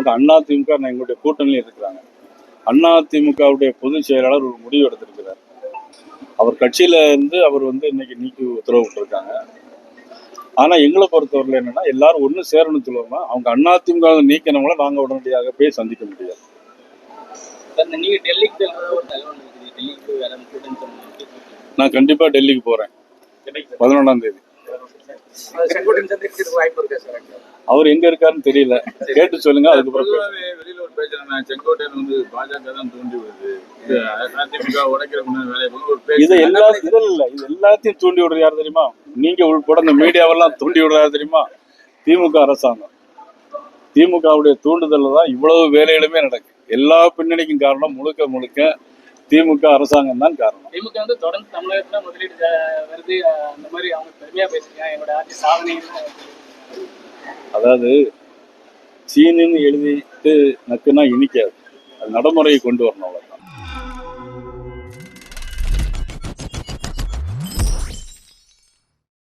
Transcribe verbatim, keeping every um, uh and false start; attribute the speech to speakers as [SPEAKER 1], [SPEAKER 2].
[SPEAKER 1] அவங்க அண்ணா திமுக எங்களுடைய கூட்டணியில் இருக்கிறாங்க. அண்ணா திமுகவுடைய பொதுச் செயலாளர் ஒரு முடிவு எடுத்திருக்கிறார். அவர் கட்சியில இருந்து அவர் வந்து இன்னைக்கு நீக்கி உத்தரவு விட்டுருக்காங்க. ஆனா எங்களை பொறுத்தவரையில் என்னன்னா எல்லாரும் ஒண்ணு சேரணும் சொல்லுவோம்னா அவங்க அண்ணா திமுக நீக்கினவங்கள நாங்க உடனடியாக போய் சந்திக்க முடியாது.
[SPEAKER 2] நீங்க டெல்லிக்கு
[SPEAKER 1] நான் கண்டிப்பா டெல்லிக்கு போறேன் பதினொன்றாம் தேதி. அவர் எங்க இருக்காருன்னு தெரியல, கேட்டு சொல்லுங்க. அதுக்கப்புறம்
[SPEAKER 3] வெளியில ஒரு பேசுறாங்க, செங்கோட்டையன் வந்து பாஜக தான் தூண்டி விடுது, அதிமுக உடைக்கிற வேலையை
[SPEAKER 1] இது எல்லா இதுல இல்ல, இது எல்லாத்தையும் தூண்டி விடுறது யாரு தெரியுமா? நீங்க உள்பட இந்த மீடியாவெல்லாம் தூண்டி விடுறாரு தெரியுமா? திமுக அரசாங்கம். திமுகவுடைய தூண்டுதல் தான் இவ்வளவு வேலைகளுமே நடக்கு. எல்லா பின்னணிக்கும் காரணம் முழுக்க முழுக்க திமுக அரசாங்கம் தான் காரணம்.
[SPEAKER 2] திமுக வந்து தொடர்ந்து தமிழகத்துல முதலீடு வருது, அந்த மாதிரி அவங்க பெருமையா பேசுறாங்க, என்னோட ஆட்சி சாதனை.
[SPEAKER 1] அதாவது சீனின்னு எழுதிட்டு நக்குன்னா இனிக்காது, அது நடைமுறையை கொண்டு வரணும்.